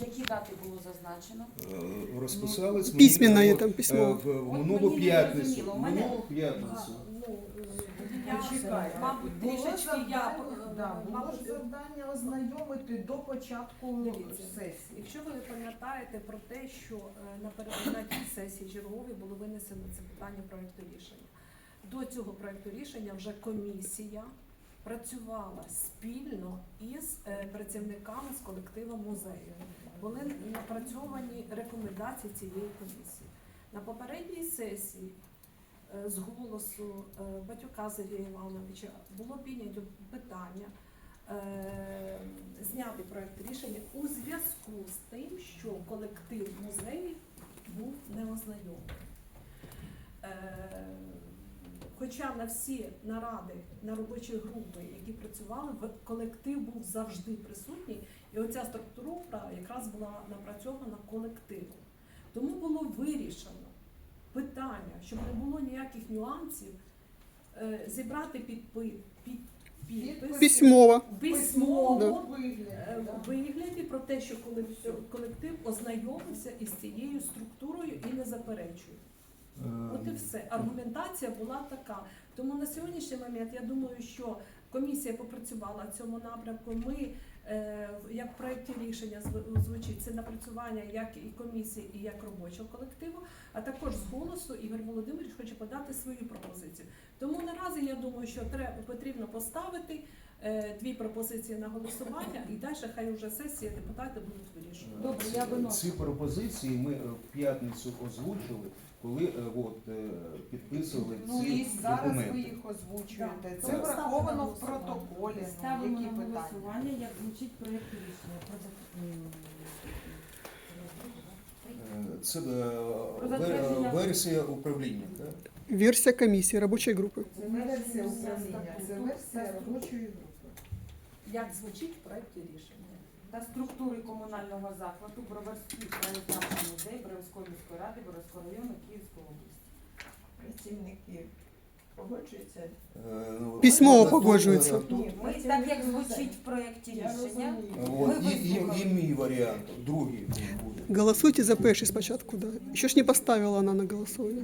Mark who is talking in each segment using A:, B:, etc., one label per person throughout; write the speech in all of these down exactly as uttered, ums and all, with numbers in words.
A: Які дати було зазначено?
B: Е, Розписались ми
C: Письменно
B: е,
C: є там
B: е,
C: письмо.
B: в
A: От
B: минулу
A: мені не
B: п'ятницю.
A: зрозуміло. У мене-
B: Минулу п'ятницю.
D: Ну,
A: Я,
D: почекайте.
A: мабуть,
D: Було
A: трішечки я,
D: завдання, да,
A: е,
D: було
A: мабуть,
D: ж завдання ознайомити до початку
E: Дивіться,
D: сесії.
E: Якщо ви пам'ятаєте про те, що е, напередодні сесії черговій було винесено це питання проекту рішення. До цього проекту рішення вже комісія працювала спільно із е, працівниками з колективом музею. Були напрацьовані рекомендації цієї комісії. На попередній сесії е, з голосу е, Батюка Сергія Івановича було піднято питання е, зняти проект рішення у зв'язку з тим, що колектив музеїв був неознайомий. Е, Хоча на всі наради, на робочі групи, які працювали, в- колектив був завжди присутній, і оця структура якраз була напрацьована колективом. Тому було вирішено питання, щоб не було ніяких нюансів, е, зібрати підпи, під, підпис
C: Письмово.
E: письмово
D: вигляді,
E: е,
D: да.
E: в вигляді про те, що колектив, колектив ознайомився із цією структурою і не заперечує. От і все. Аргументація була така. Тому на сьогоднішній момент я думаю, що комісія попрацювала в цьому напрямку. Ми, е, як в проєкті рішення зв- звучить, це напрацювання як і комісії, і як робочого колективу, а також з голосу Ігор Володимирович хоче подати свою пропозицію. Тому наразі я думаю, що треба, потрібно поставити е, дві пропозиції на голосування, і далі хай уже сесія, депутати будуть вирішувати.
A: Добре, я виношу.
B: Ці пропозиції ми е, в п'ятницю озвучили, коли е, от, е, підписували
D: Ну
B: ці
D: і зараз ви
B: документи.
D: їх озвучуєте.
E: Да.
D: Це
E: Тому
D: враховано
A: ставте на
D: в протоколі. Ну,
A: Ставимо
D: які
A: на
D: питання?
A: голосування, як звучить проєкт рішення. Про зак- м,
B: Е, Це е,
A: Про
B: ве-
A: затвердження.
B: версія управління. Так?
C: Версия комиссии, рабочей группы.
D: Це не версія управління, це версія робочої групи.
E: Як звучить в проєкті рішення?
A: Та структури комунального закладу Броварський краєзнавчий музей Броварської міської ради Броварського району Київської області.
D: Працівники погоджуються?
B: Е, ну,
C: Письмово
B: тут, е,
C: погоджується.
B: тут,
A: Ні, ми так як звучить в проєкті
D: Я
A: рішення.
D: розумію.
B: От,
A: Ми
B: і, і, і
A: вислухали.
B: мій варіант, другий буде.
C: Голосуйте за перший спочатку, да. Еще ж не поставила она на голосование.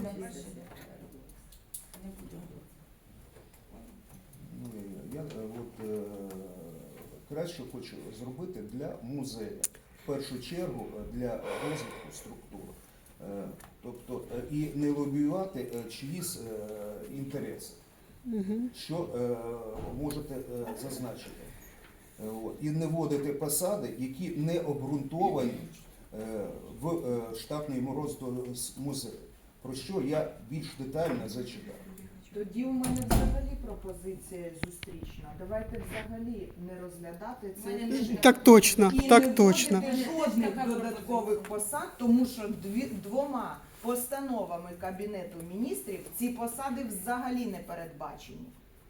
B: Ну, я, я е, от, е, краще хочу зробити для музею. В першу чергу е, для розвитку структур. Е, Тобто е, і не лобіювати е, чиїсь е, інтереси,
C: Мгм.
B: що е, можете е, зазначити. Е, от. І не вводити посади, які не обґрунтовані е, в е, штатний розклад з музею, про що я більш детально зачитав.
D: Тоді у мене взагалі пропозиція зустрічна. Давайте взагалі не розглядати це
A: Мене
D: рішення.
C: Так точно,
D: І
C: так
D: не
C: точно.
D: вводити жодних додаткових посад, тому що дві, двома постановами Кабінету міністрів ці посади взагалі не передбачені.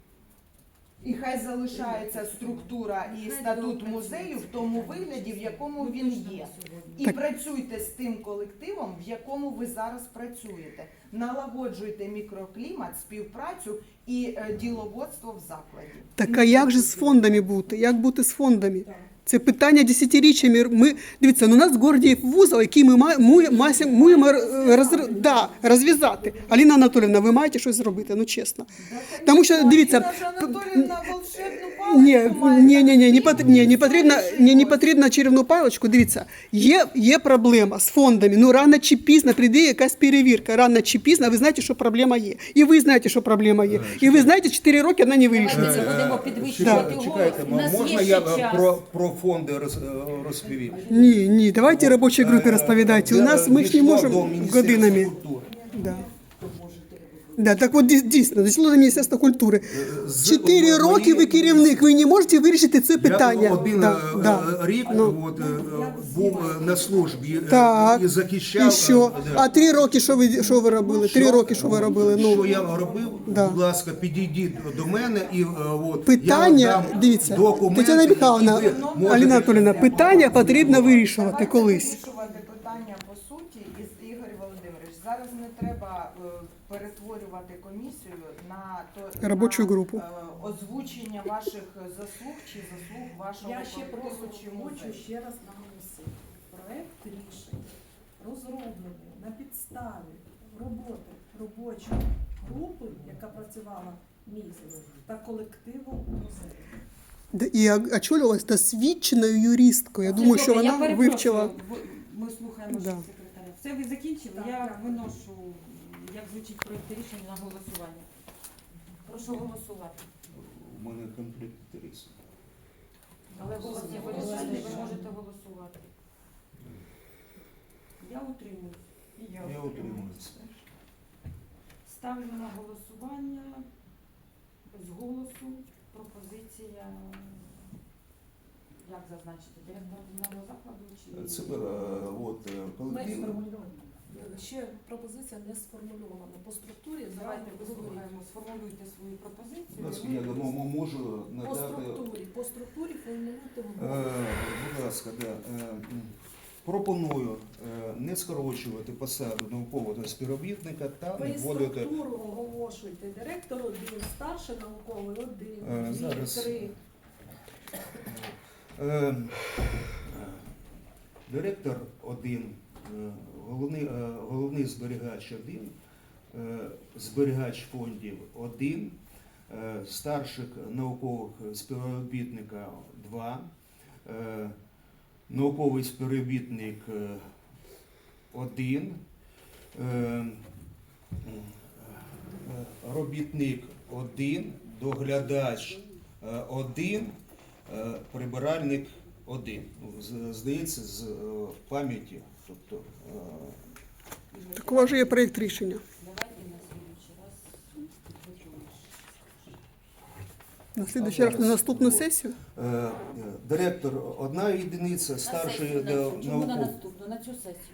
D: І хай залишається структура і статут музею в тому вигляді, в якому він є. І
C: Так.
D: працюйте з тим колективом, в якому ви зараз працюєте. Налагоджуйте мікроклімат, співпрацю і е, діловодство в закладі.
C: Так а як же з фондами бути? Як бути з фондами? Це питання десятиріччями. Ми, дивіться, ну у нас в городі є вузол, який ми маємо, маємо роз, да, розв'язати. Аліна Анатоліївна, ви маєте щось зробити, ну чесно. Тому що, дивіться,
D: Аліна Анатоліївна волшебну
C: Ні,
D: паличку має.
C: ні, ні, ні, не, пот- ні, не потрібно, ні, не потрібно чарівну паличку. Дивіться, є, є проблема з фондами. Ну рано чи пізно прийде якась перевірка. Рано чи пізно, ви знаєте, що проблема є. І ви знаєте, що проблема є. І ви знаєте, чотири роки вона не
A: Давайте
C: вирішиться.
A: це будемо підвищувати голос.
B: Чекайте,
A: У нас
B: можна
A: є
B: я
A: ще час.
B: про, про фонди роз, розповім?
C: Ні, ні, давайте робочій групі розповідайте. У нас ми ж не можемо годинами. Да. Да, так от дій- дійсно, дійшло до Міністерства культури. Чотири роки ви керівник, ви не можете вирішити це питання.
B: Я один
C: Да,
B: е,
C: да.
B: рік
C: Ну.
B: от, е, був е, на службі е,
C: Так,
B: і захищав.
C: і що?
B: е,
C: А три роки що ви, що ви робили? Три роки що ви робили?
B: Що
C: Ну,
B: я робив?
C: Да.
B: Будь ласка, підійдіть до мене і е, от,
C: питання,
B: я вам дам
C: дивіться,
B: документи,
C: Тетяна Михайловна,
B: і ви можете-
C: Аліна Анатоліївна, питання потрібно вирішувати
D: Давайте
C: колись.
D: вирішувати питання по суті, і Ігор Володимирович. Зараз не треба е, перетворювати комісію на то
C: Робочу
D: на,
C: групу.
D: е, озвучення ваших заслуг чи заслуг вашого
E: Я ще
D: колективу
E: просто
D: чи
E: хочу
D: музею.
E: ще раз наголосити. робочу групу, яка працювала місяць, та колективу музею.
C: Да, і очолювалась досвідченою юристкою. Я думаю, що
A: Добре, я
C: вона
A: перепрошую,
C: вивчила.
A: ви- Ми слухаємо
C: Да.
A: ще секретаря. Все, ви закінчили?
E: Так,
A: Я
E: дякую.
A: виношу, як звучить проєкт рішення на голосування. Прошу голосувати.
B: У мене конфлікт інтересів.
A: Але голос є вирішальний, ви можете голосувати. Я утримуюсь.
B: Я утримуюся.
A: Ставлю на голосування без голосу пропозиція, як зазначити, директор комунального закладу чи
B: Це е, от е,
E: Ми
B: колектив.
E: сформулюємо. Ще пропозиція не сформульована. По структурі
A: давайте
E: зразу
A: вислухаємо, сформулюйте свою пропозицію.
B: Будь ласка,
A: і
B: я
A: ми
B: м- можу
E: по
B: надати.
E: структурі, по структурі формулюйте в
B: Е, Будь ласка, да. Е, м, пропоную е, не скорочувати посаду наукового співробітника та не
E: Ви
B: вводити.
E: структуру оголошуєте. Директор один, старший науковий один,
B: Е,
E: дві,
B: зараз.
E: три.
B: Е, Директор один, е, головний, е, головний зберігач один, е, зберігач фондів один, е, старших наукових співробітника два, е, науковий співробітник е, один, е, е, робітник один, доглядач е, один, е, прибиральник один. Ну, з- Здається, з е, пам'яті. Тобто, е,
C: Так у вас же є проєкт рішення.
A: Давайте на слідуючий раз підготуємо.
C: На слідуючий раз на наступну сесію.
B: е, е, директор одна єдиниця, старший
A: На сесію, на цю. Чому на
B: науковий.
A: наступну? На цю сесію.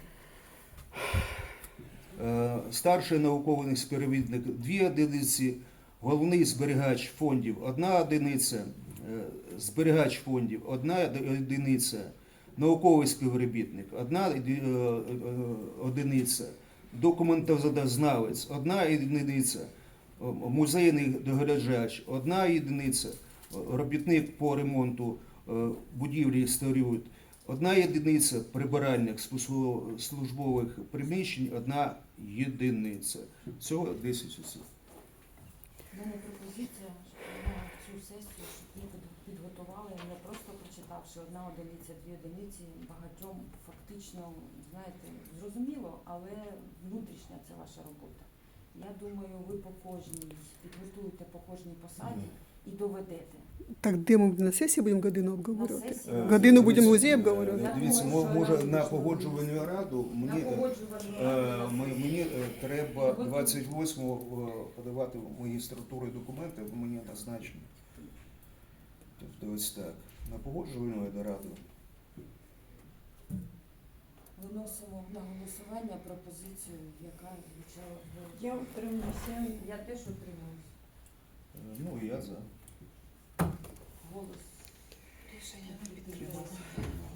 B: Е, Старший науковий співробітник дві одиниці, головний зберігач фондів одна одиниця, е, зберігач фондів одна одиниця, науковий співробітник одна е, е, одиниця, документознавець одна одиниця, е, музейний доглядач одна одиниця, робітник по ремонту е, будівлі і сторін одна єдиниця, прибиральник спосу- службових приміщень одна єдиниця. Всього десять осіб.
A: У мене пропозиція, щоб на цю сесію, щоб ми під- підготували, не просто прочитавши одна одиниця, дві одиниці, багатьом фактично, знаєте, зрозуміло, але внутрішня це ваша робота. Я думаю, ви по кожній підготуєте по кожній посаді і доведете.
C: Так, де ми на сесії будемо годину
A: На
C: обговорювати?
A: сесії.
B: Е,
C: Годину будемо
B: дивіться,
C: музей
B: е,
C: обговорювати?
B: Дивіться,
A: Я
B: мо-
A: думаю,
B: може
A: що
B: на
A: раді
B: погоджувальну раду
A: На
B: мені, е,
A: погоджувальну
B: е,
A: раду.
B: ми- мені е, треба двадцять восьмого е, подавати мої структури документи, бо мені назначено. Тобто ось так. На погоджувальну раду.
A: Виносимо на голосування пропозицію, яка звучала. в-
E: Я утримуюся.
A: Я теж утримуюсь.
B: Е, Ну, я за.
A: Голос. Рішення не підтримується.